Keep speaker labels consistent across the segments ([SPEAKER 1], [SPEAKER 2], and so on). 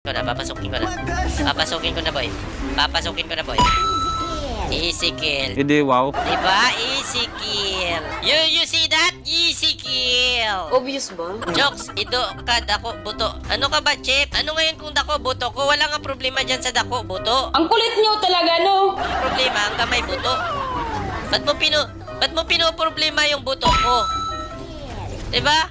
[SPEAKER 1] ko na. Papasukin ko na. Papasukin ko na, boy. Papasukin ko na, boy. Easy kill.
[SPEAKER 2] Hindi, wow.
[SPEAKER 1] Diba? Easy kill. You see that? Easy kill.
[SPEAKER 3] Obvious ba?
[SPEAKER 1] Jokes, ido ka, dako, buto. Ano ka ba, Chip? Ano ngayon kung dako, buto ko? Wala nga problema dyan sa dako, buto.
[SPEAKER 3] Ang kulit nyo talaga, no?
[SPEAKER 1] Ang problema, ang kamay, buto. Ba't mo pinoproblema yung buto ko? Diba?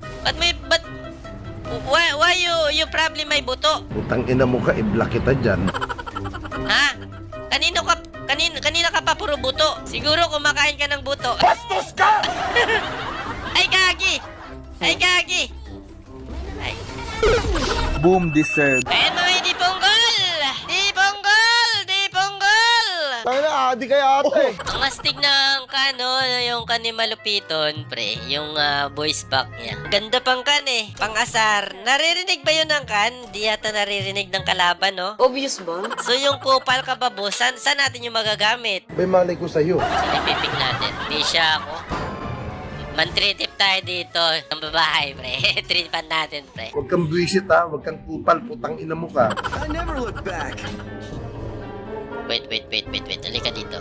[SPEAKER 1] Why you problem my buto?
[SPEAKER 4] Putang ina mo ka, i-block kita dyan.
[SPEAKER 1] Ha? Kanina ka pa puro buto. Siguro kumakain ka ng buto. Bastos ka! Ay, gagi! Ay, gagi! Ay.
[SPEAKER 2] Boom deserved.
[SPEAKER 1] Ayan mga di ponggol! Di ponggol! Di ponggol!
[SPEAKER 4] Tayo na, adi kaya ate.
[SPEAKER 1] Ang astig ng kano, yung kanimalupiton, pre. Yung voice back niya. Ganda pang kan eh. Pang-asar. Naririnig ba yun ng kan? Di yata naririnig ng kalaban, no?
[SPEAKER 3] Obvious ba?
[SPEAKER 1] So yung kupal ka ba, boss? Saan natin yung magagamit?
[SPEAKER 4] May malay ko sa'yo.
[SPEAKER 1] Sinipipig natin. Bisya ako. Man-trip tayo dito. Ang babae, pre. Tripan natin, pre.
[SPEAKER 4] Huwag kang buwisit ha, huwag kang kupal, putang ina mo ka.
[SPEAKER 5] I never look back.
[SPEAKER 1] Wait. Halika dito.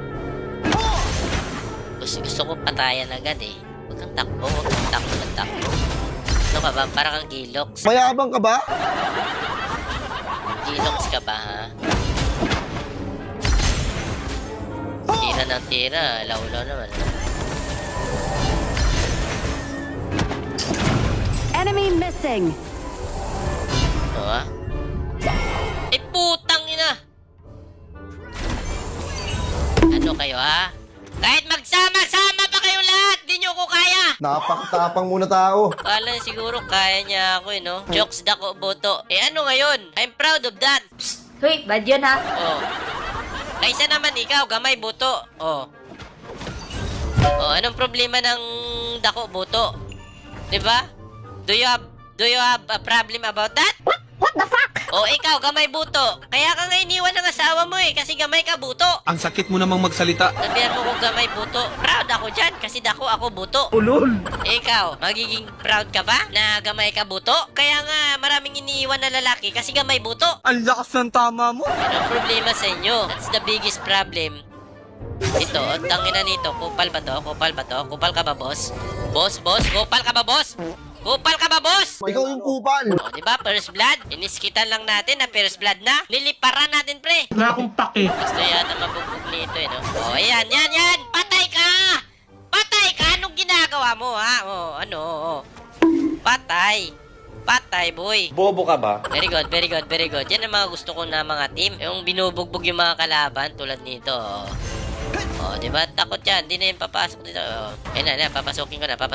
[SPEAKER 1] Gusto ko patayan agad eh. Huwag kang takbo. Ano ka ba? Parang kang gilox.
[SPEAKER 4] Mayabang ka ba?
[SPEAKER 1] Gilox ka ba, ha? Tira ng tira. Laulaw naman.
[SPEAKER 6] Enemy missing.
[SPEAKER 1] Ano, ha? Eh, putang ina! Ano kayo, ha? Kahit magsama-sama pa kayong lahat, di nyo ko kaya!
[SPEAKER 4] Napakatapang muna tao.
[SPEAKER 1] Kala siguro kaya niya ako, eh, no? Jokes dako, boto. Eh, ano ngayon? I'm proud of that.
[SPEAKER 3] Hoy, bad yun ha?
[SPEAKER 1] Oh. Kaysa naman ikaw, gamay, buto. Oh. Oh, anong problema ng dako, buto? Diba? Do you have a problem about that? What the fuck? Oh, ikaw, gamay, buto. Kaya ka nga iniwan ng asawa mo eh, kasi gamay ka, buto.
[SPEAKER 2] Ang sakit mo namang magsalita.
[SPEAKER 1] Sabihan mo kung gamay, buto. Proud ako dyan, kasi dako ako, buto.
[SPEAKER 2] Ulol.
[SPEAKER 1] Ikaw, magiging proud ka ba na gamay ka, buto? Kaya nga, maraming iniiwan na lalaki kasi gamay, buto.
[SPEAKER 2] Ang lakas ng tama mo.
[SPEAKER 1] Anong problema sa inyo? That's the biggest problem. Ito, tangina nito. Kupal ba to? Kupal ba to? Kupal ka ba, boss? Boss? Kupal ka ba, boss? Kupal ka ba, boss?
[SPEAKER 4] Ikaw yung kupal.
[SPEAKER 1] O, diba? First blood. Iniskitan lang natin na first blood na. Niliparan natin, pre.
[SPEAKER 2] Wala akong pake.
[SPEAKER 1] Gusto yata mabugbog nito, eh, no? O, ayan. Patay ka! Patay ka! Anong ginagawa mo, ha? O, ano, o. Patay, boy.
[SPEAKER 2] Bobo ka ba?
[SPEAKER 1] Very good. Yan ang mga gusto ko na mga team. Yung binubugbog yung mga kalaban tulad nito. Oh, di ba? Takot yan. Hindi na yung papasok dito. Oh. Ayun na. Papasukin ko na,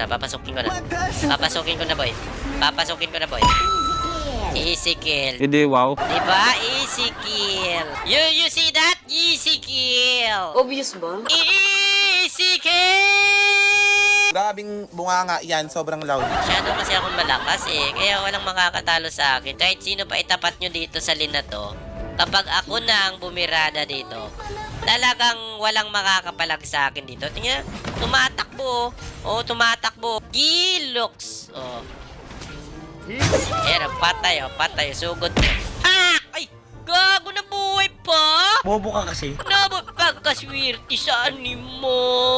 [SPEAKER 1] boy. Easy kill.
[SPEAKER 2] Hindi, wow.
[SPEAKER 1] Diba? Easy kill. You see that? Easy kill.
[SPEAKER 3] Obvious ba?
[SPEAKER 1] Easy kill.
[SPEAKER 7] Grabing bunganga yan, sobrang loud.
[SPEAKER 1] Masyado kasi akong malakas eh. Kaya walang makakatalo sa akin. Kahit sino pa itapat nyo dito sa lina to, kapag ako na ang bumirada dito, talagang walang makakapalag sa akin dito. Tingnan, tumatakbo. Oh, tumatakbo. Gilox. Oh. Ayan, patay. Sugod. Ah! Ay! Gago na buhay pa!
[SPEAKER 7] Bobo ka kasi.
[SPEAKER 1] Pagkaswerte sa animo.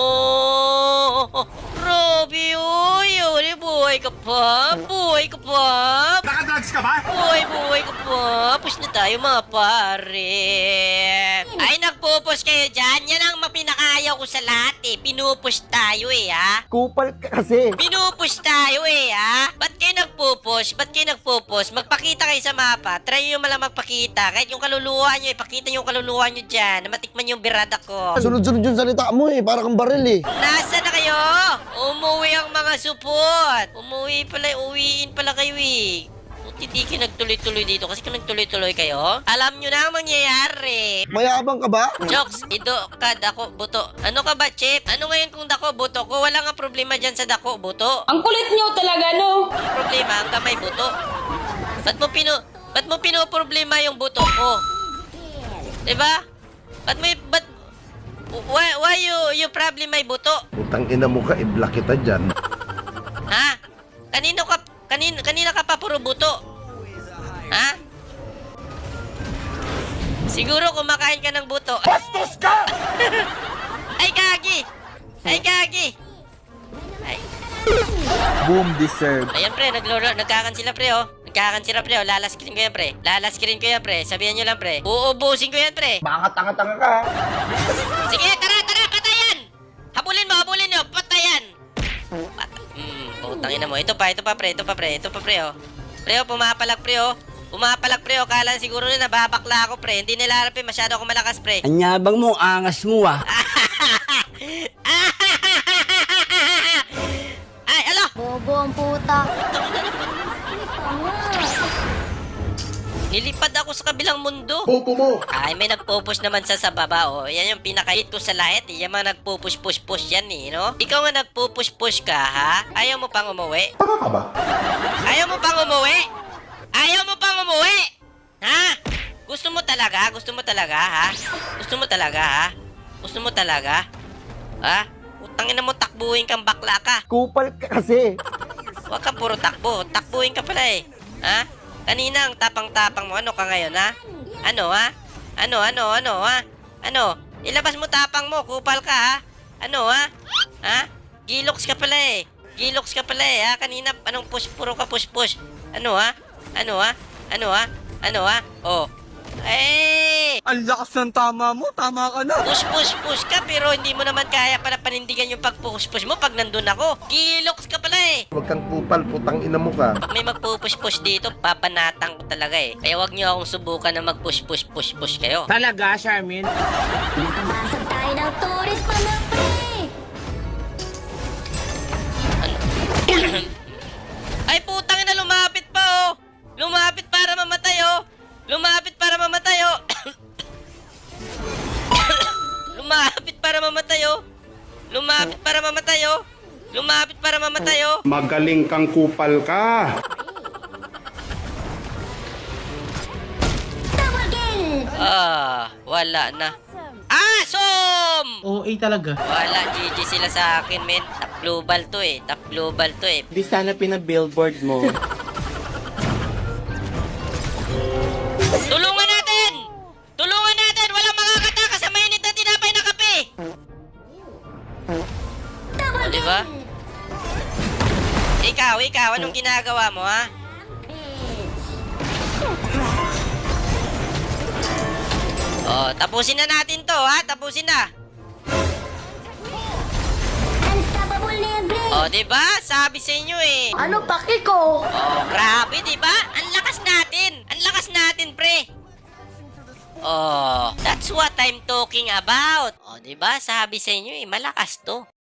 [SPEAKER 1] Grabe, uy. Buhay ka pa.
[SPEAKER 5] Nakadrugs ka ba?
[SPEAKER 1] Buhay ka pa. Push na tayo, mga pare. Ay, nagpupush kayo dyan. Yan ang mapinakayaw ko sa lahat eh. Pinupush tayo eh, ha?
[SPEAKER 4] Kupal ka kasi.
[SPEAKER 1] Pinupush tayo eh, ha? Ba't kayo nagpupush? Magpakita kayo sa mapa. Try nyo malang magpakita. Kahit yung kaluluwa nyo, ipakita nyo yung kaluluwa nyo dyan. Na matikman yung birada ko.
[SPEAKER 4] Sunod-sunod yung salita mo eh, para kang baril eh.
[SPEAKER 1] Nasa na kayo? Umuwi ang mga support. Uwiin pala kayo eh. Hindi kayo nagtuloy-tuloy dito kasi kung nagtuloy-tuloy kayo, alam nyo na ang mangyayari.
[SPEAKER 4] Mayabang ka ba?
[SPEAKER 1] Jokes, ido ka, dako, buto. Ano ka ba, Chip? Ano ngayon kung dako, buto ko? Wala nga problema dyan sa dako, buto.
[SPEAKER 3] Ang kulit nyo talaga, no?
[SPEAKER 1] Ang problema, ang kamay, buto. Ba't mo pinoproblema yung buto ko? Diba? Why you problem my buto?
[SPEAKER 4] Putang ina mo ka, i-block kita dyan.
[SPEAKER 1] Ha? Kanina ka pa puro buto. Ha? Siguro kumakain ka ng buto. Bastos ka! Ay, gagi! Ay, gagi! Ay.
[SPEAKER 2] Boom deserve.
[SPEAKER 1] Ayan, pre. Nagkakan sila, pre, oh. Nagkakan sila, pre, oh. Lalaskirin ko yan, pre. Lalaskirin ko yan, pre. Sabihan nyo lang, pre. Uubusin ko yan, pre.
[SPEAKER 4] Baka tanga-tanga ka.
[SPEAKER 1] Sige, tara, tara, patayan! Habulin nyo, patayan! Putang ina mo. Ito pa, pre, oh. Pre, oh, pumapalag, pre, oh. Kala siguro na nababakla ako, pre. Hindi nila harap, masyado ako malakas, pre.
[SPEAKER 8] Anyabang mo, angas mo ah.
[SPEAKER 1] Ay, alo!
[SPEAKER 3] Bobo ang puta.
[SPEAKER 1] Nilipad ako sa kabilang mundo.
[SPEAKER 4] Bobo mo.
[SPEAKER 1] Ay, may nagpo-push naman sa baba, oh. Yan yung pinaka-hit ko sa lahat, eh. Yung mga nagpo-push-push-push yan, eh, no? Ikaw nga nagpo-push-push ka, ha? Ayaw mo pang umuwi?
[SPEAKER 4] Tanga ka ba?
[SPEAKER 1] Ayaw mo pang umuwi? Ayaw mo pang umuwi? Ha? Gusto mo talaga, ha? Gusto mo talaga? Ha? Utangin na mo, takbuhin kang bakla ka.
[SPEAKER 4] Kupal ka kasi.
[SPEAKER 1] Huwag kang puro takbo. Takbuhin ka pala, eh. Ha? Kanina ang tapang-tapang mo. Ano ka ngayon, ha? Ano, ha? Ano? Ilabas mo tapang mo. Kupal ka, ha? Ano, ha? Ha? Gilox ka pala, eh. Ha? Kanina, anong push? Puro ka push-push. Ano, ha? Oh. Eh!
[SPEAKER 2] Ang lakas ng tama mo. Tama ka na.
[SPEAKER 1] Push ka, pero hindi mo naman kaya pala panindigan yung pag-push mo pag nandun ako. Gilox ka pala, eh.
[SPEAKER 4] Huwag kang kupal, putang ina mo ka.
[SPEAKER 1] Pag may magpupush dito, papanatang ko talaga, eh. Kaya wag niyo akong subukan na mag-push kayo.
[SPEAKER 8] Talaga, Charmin?
[SPEAKER 3] Nakabasag tayo ng turis pa na, pre.
[SPEAKER 1] Ay, putang ina, lumapit pa, oh. Lumapit para mamatay, oh. Lumapit para mamatay, oh.
[SPEAKER 9] Magaling kang kupal ka.
[SPEAKER 1] Wala na. Asom!
[SPEAKER 8] OA talaga.
[SPEAKER 1] Wala, GG sila sa akin, men. Top global to, eh.
[SPEAKER 8] Di sana pinabillboard mo.
[SPEAKER 1] Tulungan natin! Walang makakataka sa mainit na tinapay na kape! O, diba? Ikaw, anong ginagawa mo, ha? Oh, tapusin na natin to, ha? Tapusin na.
[SPEAKER 3] Unstoppable libre.
[SPEAKER 1] Oh, diba? Sabi sa inyo, eh.
[SPEAKER 3] Ano paki ko?
[SPEAKER 1] Oh, grabe, diba? Ang lakas natin, pre. Oh, that's what I'm talking about. Oh, diba? Sabi sa inyo, eh, malakas to.